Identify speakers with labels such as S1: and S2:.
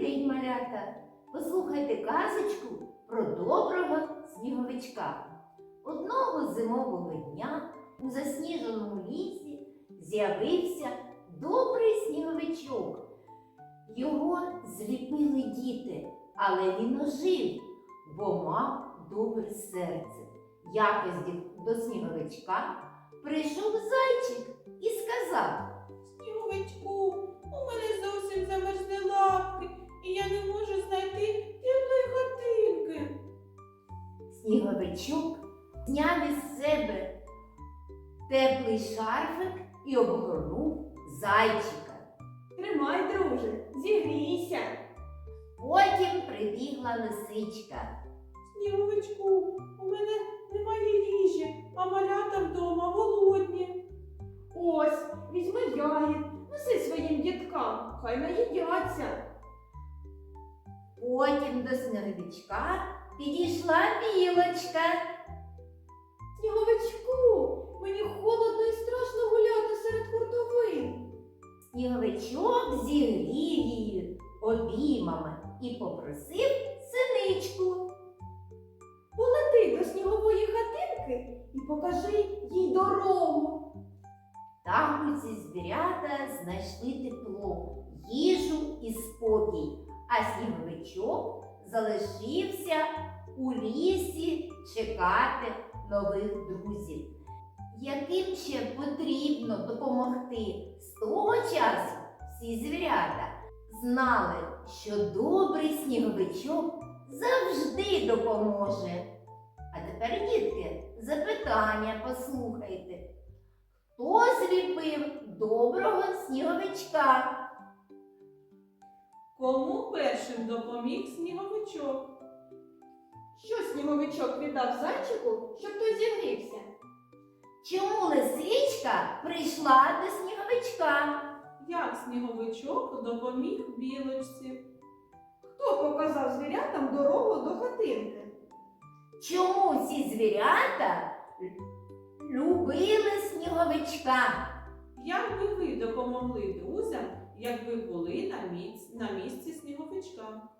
S1: день, малята! Послухайте казочку про доброго сніговичка. Одного зимового дня у засніженому лісі з'явився добрий сніговичок. Його зліпили діти, але він ожив, бо мав добре серце. Якось до сніговичка прийшов зайчик і сказав:
S2: Сніговичку, у мене зовсім замерзли лапки, і я не можу знайти теплої хатинки.
S1: Сніговичок зняв із себе теплий шарфик і обгорнув зайчика.
S3: Тримай, друже, зігрійся.
S1: Потім прибігла лисичка.
S2: Сніговичку, у мене немає їжі, а малята вдома голодні.
S3: Ось, візьми ягід, неси своїм діткам, хай наїдяться.
S1: Потім до сніговичка підійшла білочка.
S3: Сніговичку, мені холодно і страшно гуляти серед хуртовин.
S1: Сніговичок зігрів її обіймами і попросив синичку.
S3: Полети до снігової хатинки і покажи їй дорогу.
S1: Там усі звірята знайшли тепло, їжу і спокій, а сніговичок залишився у лісі чекати нових друзів. Яким ще потрібно допомогти? З того часу всі звірята знали, що добрий сніговичок завжди допоможе. А тепер, дітки, запитання послухайте. Хто зліпив доброго сніговичка?
S2: Кому першим допоміг сніговичок?
S3: Що сніговичок віддав зайчику, щоб той зігрівся?
S1: Чому лисичка прийшла до сніговичка?
S2: Як сніговичок допоміг білочці?
S3: Хто показав звірятам дорогу до хатинки?
S1: Чому всі звірята любили сніговичка?
S2: Як би ви допомогли друзям, якби були на місці сніговичка?